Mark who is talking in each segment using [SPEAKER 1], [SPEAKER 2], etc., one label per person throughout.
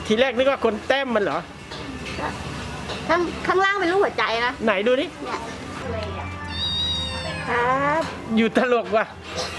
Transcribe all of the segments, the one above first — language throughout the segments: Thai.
[SPEAKER 1] ทีแรกนึกว่าคนแต้มมันเหรอ
[SPEAKER 2] ข้างล่างเป็นรูปหัวใจนะ
[SPEAKER 1] ไหนดูดิ
[SPEAKER 2] เนี่ยครับ
[SPEAKER 1] อยู่ตลกว่ะ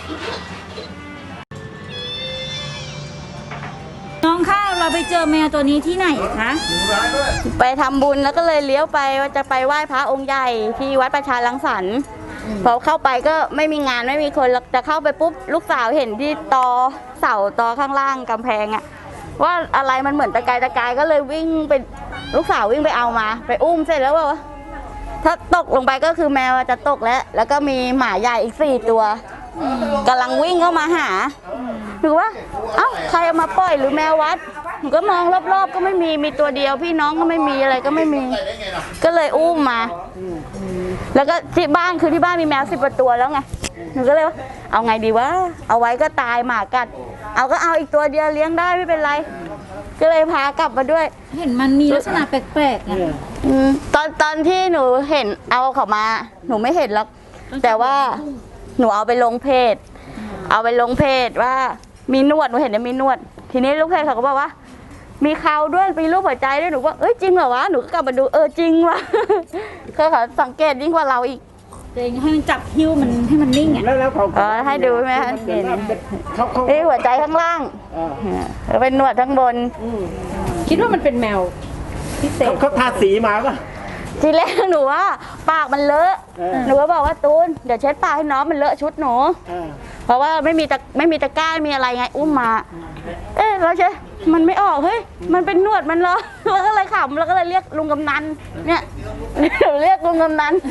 [SPEAKER 3] น้องข้าวเราไปเจอแมวตัวนี้ที่ไหนคะ
[SPEAKER 2] ไปทำบุญแล้วก็เลยเลี้ยวไปว่าจะไปไหว้พระองค์ใหญ่ที่วัดประชารังสรรค์พอเข้าไปก็ไม่มีงานไม่มีคนจะเข้าไปปุ๊บลูกสาวเห็นที่ตอเสาตอข้างล่างกำแพงอะว่าอะไรมันเหมือนตะกายก็เลยวิ่งไปลูกสาววิ่งไปเอามาไปอุ้มเสร็จแล้วว่าถ้าตกลงไปก็คือแมวจะตกแล้วก็มีหมาใหญ่อีก4 ตัวกำลังวิ่งเข้ามาหาหรือว่าเอ้าใครเอามาปล่อยหรือแมววัดหนูก็มองรอบๆก็ไม่มีตัวเดียวพี่น้องก็ไม่มีอะไรก็ไม่มีก็เลยอุ้มมาแล้วก็ที่บ้านคือที่บ้านมีแมว10 กว่าตัวแล้วไงหนูก็เลยว่าเอาไงดีวะเอาไว้ก็ตายหมากัดเอาอีกตัวเดียวเลี้ยงได้ไม่เป็นไรก็เลยพากลับมาด้วย
[SPEAKER 3] เห็นมันมีลักษณะแปลกๆนะ
[SPEAKER 2] ตอนที่หนูเห็นเอาเขามาหนูไม่เห็นหรอกแต่ว่าหนูเอาไปลงเพจว่ามีนวดหนูเห็นว่ามีนวดทีนี้ลูกเพจเขาก็บอกว่ามีเขาด้วยมีรูปหัวใจด้วยหนูว่าเอ้ยจริงเหรอวะหนูก็กลับมาดูจริงว่ะเขาสังเกตยิ่งกว่าเราอีก
[SPEAKER 3] ตัวเองให้มันจับหิ้วมันให้มันนิ่งอ่ะ
[SPEAKER 1] แล้วเขา
[SPEAKER 2] ให้ดูไหมคะเห็นนี่หัวใจข้างล่างเป็นหนวดข้างบน
[SPEAKER 3] คิดว่ามันเป็นแมวพิเศษ
[SPEAKER 1] เขาทาสีมาป่ะ
[SPEAKER 2] ทีแรกหนูว่าปากมันเลอะหนูก็บอกว่าตูนเดี๋ยวเช็ดปากให้น้องมันเลอะชุดหนูเพราะว่าไม่มีตะกร้าไม่มีอะไรไงอุ้มมาเราใช่มันไม่ออกเฮ้ยมันเป็นหนวดมันเหรอเราก็เลยขำเราก็เลยเรียกลุงกำนันเนี่ยเรียกลุงกำนัน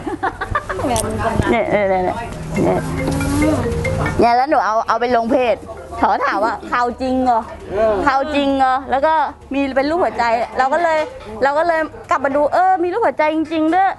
[SPEAKER 2] เนี่ยแล้วหนูเอาไปลงเพจเขาถามว่าข่าวจริงเหรอแล้วก็มีเป็นรูปหัวใจเราก็เลยกลับมาดูมีรูปหัวใจจริงๆด้วย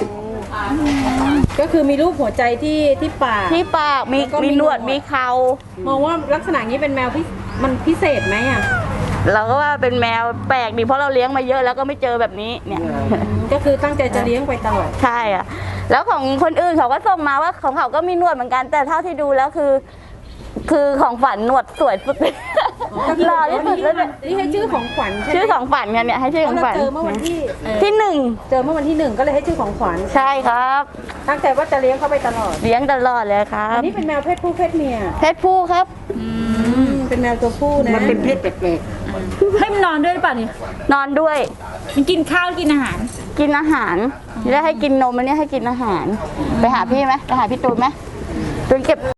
[SPEAKER 3] ก็คือมีรูปหัวใจที่ป
[SPEAKER 2] ากมีหนวดมีเขา
[SPEAKER 3] มองว่าลักษณะนี้เป็นแมวมันพิเศษไหมอ่ะ
[SPEAKER 2] เราก็ว่าเป็นแมวแปลกดีเพราะเราเลี้ยงมาเยอะแล้วก็ไม่เจอแบบนี้เนี่ย
[SPEAKER 3] ก็คือตั้งใจจะเลี้ยงไปตลอด
[SPEAKER 2] ใช่อ่ะแล้วของคนอื่นเขาก็ส่งมาว่าของเขาก็มีหนวดเหมือนกันแต่เท่าที่ดูแล้วคือของฝันหนวดสวยสุดหล่อที่สุดแล้วเนี่ย
[SPEAKER 3] นี่ให้ชื่อของขวัญ
[SPEAKER 2] ชื่อของฝันกันเนี่ยให้ชื่อของฝัน
[SPEAKER 3] เจอเมื่อวันที่
[SPEAKER 2] 1เจอ
[SPEAKER 3] เมื่อวันที่1ก็เลยให้ชื่อของขวัญ
[SPEAKER 2] ใช่ครับ
[SPEAKER 3] ตั้งใจว่าจะเลี้ยงเขาไปตลอด
[SPEAKER 2] เลี้ยงตลอดเลยครับ
[SPEAKER 3] อันนี้เป็นแมวเพศผู้เพศเมีย
[SPEAKER 2] เพศผู้ครับ
[SPEAKER 3] เป็นแมวตัวผู้นะ
[SPEAKER 1] มันเป็นเพศแปลก
[SPEAKER 3] ๆให้มันนอนด้วยหรือเปล่านี่
[SPEAKER 2] นอนด้วย
[SPEAKER 3] มันกินข้าวกินอาหาร
[SPEAKER 2] แล้วให้กินนมอันนี้ให้กินอาหารไปหาพี่ไหมไปหาพี่ตูนไหมตูนเก็บ